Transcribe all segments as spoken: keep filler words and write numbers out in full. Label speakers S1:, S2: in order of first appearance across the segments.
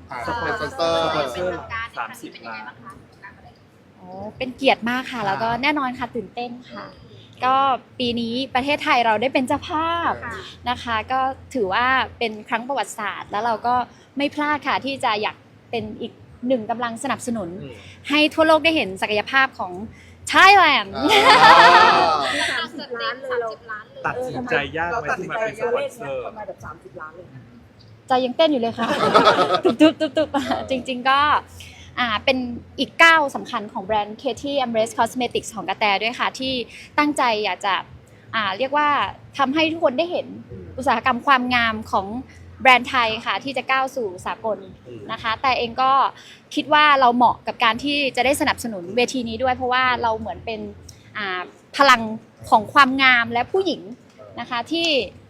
S1: อ่า
S2: สปอน
S1: สปอนเซอร์
S2: สปอนเซอร์
S3: สามสิบล้าน
S4: โอ้เป็นเกียรติมากค่ะ แล้วก็แน่นอนค่ะตื่นเต้นค่ะ ก็ปีนี้ประเทศไทยเราได้เป็นเจ้าภาพนะคะ ก็ถือว่าเป็นครั้งประวัติศาสตร์ แล้วเราก็ไม่พลาดค่ะที่จะอยากเป็นอีกหนึ่งกำลังสนับสนุน
S1: อืม
S4: ให้ทั่วโลกได้เห็นศักยภาพของ Thailand
S2: สามสิบล้านเลยเรา
S3: ตัดสินใจยากไหมที่มาเป็นสปอนเซอร์
S2: ประมาณแบบสามสิบล้านเลย
S4: ใจยังเต้นอยู่เลยค่ะ ตุบตุบตุบตุบจริงๆก็อ่าเป็นอีกก้าวสำคัญของแบรนด์ Katie Embrace Cosmetics ของกระแตด้วยค่ะ ที่ตั้งใจอยากจะอ่าเรียกว่าทำให้ทุกคนได้เห็นอุตสาหกรรมความงามของแบรนด์ไทยค่ะที่จะก้าวสู่สากลนะคะ แต่เองก็คิดว่าเราเหมาะกับการที่จะได้สนับสนุนเวทีนี้ด้วย เพราะว่าเราเหมือนเป็นอ่าพลังของความงามและผู้หญิงนะคะที่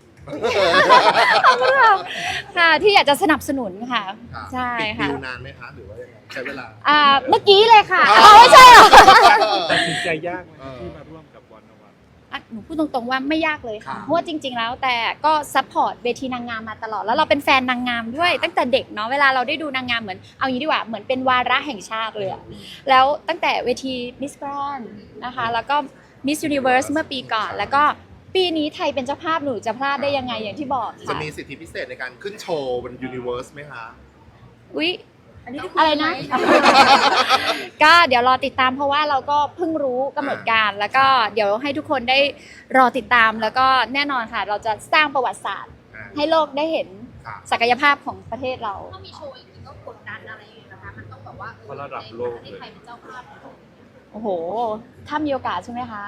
S4: ค่ะที่อยากจะสนับสนุนค่ะ ใช่
S1: ปิด
S4: ค่ะ
S1: ดิวนานไหมคะหรือว่ายังไงใช้เวลา
S4: อ่าเมื่อกี้เลยค่ะอ๋อไม่ใช่เหรอ
S3: ตัดสินใจยากไหมที่มาร่วมกับวันวัน
S4: อ่ะหนูพูดตรงๆว่าไม่ยากเลยค่ะ
S1: ค่ะ
S4: เพราะว่าจริงๆแล้วแต่ก็ซัพพอร์ตเวทีนางงามมาตลอด แล้วเราเป็นแฟนนางงามด้วยตั้งแต่เด็กเนาะเวลาเราได้ดูนางงามเหมือนเอางี้ดีกว่าเหมือนเป็นวาระแห่งชาติเลยอะแล้วตั้งแต่เวที Miss Grand นะคะแล้วก็ Miss Universe เมื่อปีก่อน แล้วก็ปีนี้ไทยเป็นเจ้าภาพหนูจะพลาดได้ยังไงอย่างที่บอก
S1: จะ
S4: ค่ะ
S1: มีสิทธิพิเศษในการขึ้นโชว์บน Universe ไหมคะ
S4: อุ๊ยอะไรนะ ก็เดี๋ยวรอติดตามเพราะว่าเราก็เพิ่งรู้กำหนดการ แล้วก็เดี๋ยวให้ทุกคนได้รอติดตามแล้วก็แน่นอนค่ะ เราจะสร้างประวัติศาสตร์
S1: อ่า
S4: ให้โลกได้เห็น
S1: ค่ะ
S4: ศักยภาพของประเทศเรา
S5: ถ้ามีโชว์อย่างนี้ก็กดดันอะไรอย่างเงี้ยนะคะ มันต้องแบบว่า
S3: เพราะระดับโลกเลย
S5: ในไทยเป็นเจ้าภาพ
S4: โอ้โห ถ้ามีโอกาสใช่ไหมคะ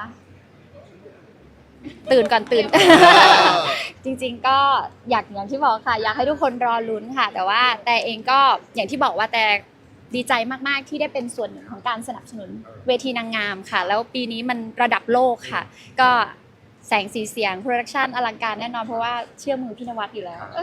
S4: ตื่นก่อนตื่น จริงๆก็อยากอย่างที่บอกค่ะ อยากให้ทุกคนรอลุ้นค่ะ แต่ว่าแต่เองก็อย่างที่บอกว่าแต่ดีใจมากๆที่ได้เป็นส่วนหนึ่งของการสนับสนุนเวทีนางงามค่ะ แล้วปีนี้มันระดับโลกค่ะ ก็แสงสีเสียงโปรดักชันอลังการแน่นอนเพราะว่าเชื่อมือพี่นวัดอยู่แล้ว